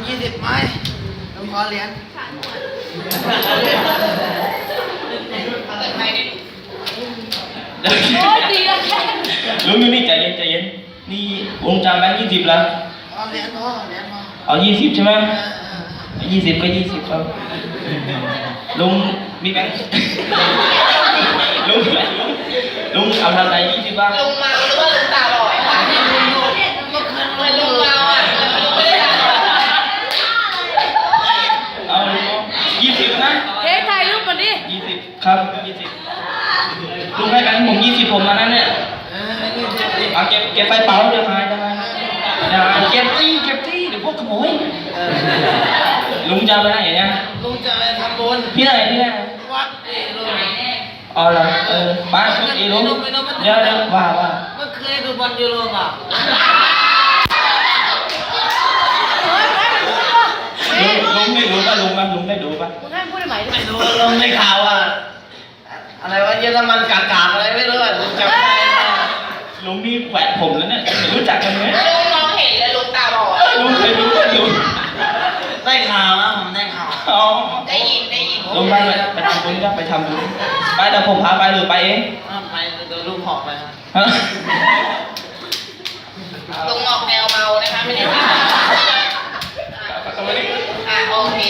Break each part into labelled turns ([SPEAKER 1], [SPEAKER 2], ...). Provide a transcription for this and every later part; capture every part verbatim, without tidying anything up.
[SPEAKER 1] ยี่สิบไหมลุงขอเหรียญ
[SPEAKER 2] โอ้ยดีละแค่ลุงอยู่นี่ใจเย็นใจเย็นนี่ลุงจำแบงค์ยี่สิบแล้ว
[SPEAKER 1] เอาเหรียญพอเหรียญพอ
[SPEAKER 2] เอายี่สิบใช่ไหมยี่สิบก็ยี่สิบครับลุงมีแบงค์ลุงลุงเอาทำอะไรยี่สิบบ้าง
[SPEAKER 3] ลุงเมาหรือว่าลุงตาบอดค่ะเหมือนลุงเมาอ่ะลุงไม่ได้ตาบอด
[SPEAKER 2] เอายี่สิบนะ
[SPEAKER 4] เค้กถ่ายรูปมาดิ
[SPEAKER 2] ยี่สิบครับยี่สิบลุงให้แบงค์ผมยี่สิบผมมานั่นเนี่ยเอาเก็บเก็บไฟเป๋าเดี๋ยวหายเดี๋ยวหายเดี๋ยวหายเก็บตี้เก็บตี้เดี๋ยวพวกขโมยลุงจะไปไหนเนี่ย
[SPEAKER 1] ลุงจะไปทำบุญ
[SPEAKER 2] พี่ไหนพี่ไหน
[SPEAKER 1] วัดเอลุง
[SPEAKER 2] อ๋อเหรอเออบ้านชุดเอลุงเดี๋ยวเดี๋ยวว่าว่า
[SPEAKER 1] เมื่อเคยดูบอลยูโรป่ะ
[SPEAKER 2] ลุงลุงได้ดูป่ะลุงป่ะลุงได้ดูป่ะ
[SPEAKER 4] มึงให้พูดได้ไหม
[SPEAKER 1] ไม่รู้ลงในข่าวอ่ะอะไรวะเยอรมันกากาอะไรไม่รู้อ่ะลุงจำไม่ได้
[SPEAKER 2] ลุงนี่แขวนผมแล้วเนี่ยรู้จักกันไหม
[SPEAKER 3] ลุงมองเห็นเลยลุงตาบอด
[SPEAKER 2] ลุงเคยรู้ป่ะลุง
[SPEAKER 1] ได้ข่าวนะผมได้ข่าว
[SPEAKER 2] อ๋อ
[SPEAKER 3] ได้ยินได้ยิน
[SPEAKER 2] ลุงไปเลยไปทำบุญก็ไปทำบุญไปเดี๋ยวผมพาไปหรือไปเอง
[SPEAKER 1] ไปเดี๋ยวลุงขอไปครับ
[SPEAKER 3] ลุงออกแนวเมานะคะไม่ได้ตาอ่ะโอเค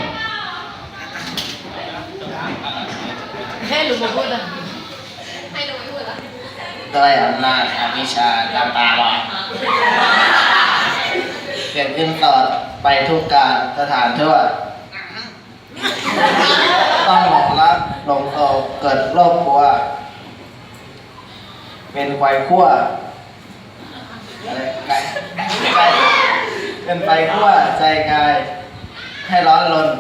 [SPEAKER 4] แค่หรือมาพูดนะ
[SPEAKER 3] ให้ลุงพูดละ
[SPEAKER 1] ด้วยอำนาจอวิชชาตามตาบอดเกิดขึ้นต่อไปทุกการสถานทั่วต้องหลงรักหลงโศกเกิดโรคกลัวเป็นควายขั้วอะไรไก่ไก่เป็นไฟขั้วใจกายให้ร้อนรน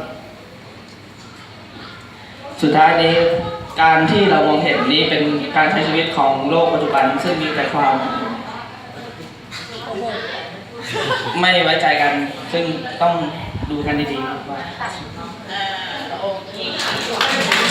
[SPEAKER 2] สุดท้ายนี้การที่เรามองเห็นนี้เป็นการใช้ชีวิตของโลกปัจจุบันซึ่งมีแต่ความไม่ไว้ใจกันซึ่งต้องดูกันดีๆว่า
[SPEAKER 3] โอเค